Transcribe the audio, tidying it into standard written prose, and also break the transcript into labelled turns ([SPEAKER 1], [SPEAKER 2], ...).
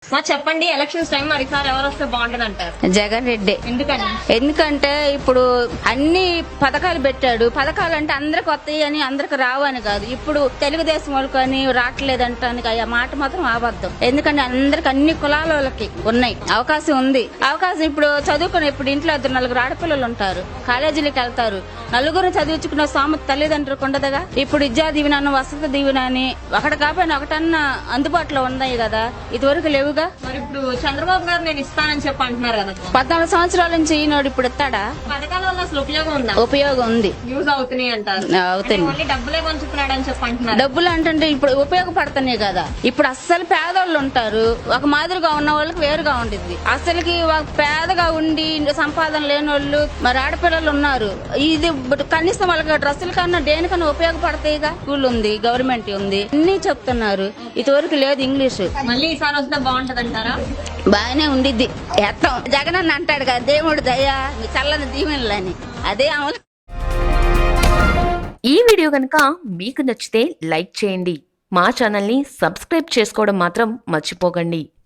[SPEAKER 1] చెప్పండి, elections time మరి sir ఎవరు వస్తే బాగుంటది అంటారు?
[SPEAKER 2] జగన్ రెడ్డి.
[SPEAKER 1] ఎందుకని?
[SPEAKER 2] ఎందుకంటే ఇప్పుడు అన్ని పథకాలు పెట్టాడు. పథకాలు అంటే అందరికి వస్తాయి అని అందరికి రావు అని కాదు. ఇప్పుడు తెలుగుదేశం వాళ్ళకి అని రావట్లేదంటానికి ఆ మాట మాత్రం అబద్ధం. ఎందుకంటే అందరికి అన్ని కులాల వాళ్ళకి ఉన్నాయి అవకాశం ఉంది. అవకాశం ఇప్పుడు చదువుకుని ఇప్పుడు ఇంట్లో 4 ఆడపిల్లలు ఉంటారు, కాలేజీలకు వెళ్తారు. నలుగురు చదివించుకున్న సామెత తల్లిదండ్రులకు ఉండదుగా. ఇప్పుడు విద్యా దీవెన, వసతి దీవెన అని ఒకటి కాకపోయినా ఒకటన్నా అందుబాటులో ఉన్నాయి కదా, ఇదివరకు లేవుగా.
[SPEAKER 1] మరి ఇప్పుడు చంద్రబాబు గారు నేను ఇస్తానని చెప్పి అంటున్నారు కదా,
[SPEAKER 2] 14 సంవత్సరాల నుంచి ఈనాడు ఇప్పుడు ఇస్తాడా?
[SPEAKER 1] పథకాల వల్ల అసలు ఉపయోగం ఉందా?
[SPEAKER 2] ఉపయోగం ఉంది,
[SPEAKER 1] యూజ్ అవుతున్నాయి అంటారు.
[SPEAKER 2] అవుతుంది.
[SPEAKER 1] డబ్బులే పంచుతున్నాడు అని చెప్పి అంటున్నారు.
[SPEAKER 2] డబ్బులు అంటే ఇప్పుడు ఉపయోగపడుతున్నాయి కదా. ఇప్పుడు అస్సలు పేదోళ్ళు ఉంటారు, ఒక మాదిరిగా ఉన్న వాళ్ళకి వేరుగా ఉండిద్ది. అసలుకి పేదగా ఉండి సంపాదన లేని వాళ్ళు మరి ఆడపిల్లలు ఉన్నారు. ఇది కనీసం వాళ్ళకి డ్రెస్సుల కన్నా దేనికన్నా ఉపయోగపడతాయిగా. స్కూల్ ఉంది, గవర్నమెంట్ ఉంది, అన్ని చెప్తున్నారు. ఇదివరకు లేదు ఇంగ్లీష్.
[SPEAKER 1] మళ్ళీ ఈసారి వస్తే బాగుంటది అంటారా?
[SPEAKER 2] బాగానే ఉండిద్ది. ఎత్తం జగన్ అని అంటాడు కదా, దేవుడు దయ మీ చల్లని దీవెనలని, అదే అమలు.
[SPEAKER 3] ఈ వీడియో కనుక మీకు నచ్చితే లైక్ చేయండి, మా ఛానల్ని సబ్స్క్రైబ్ చేసుకోవడం మాత్రం మర్చిపోకండి.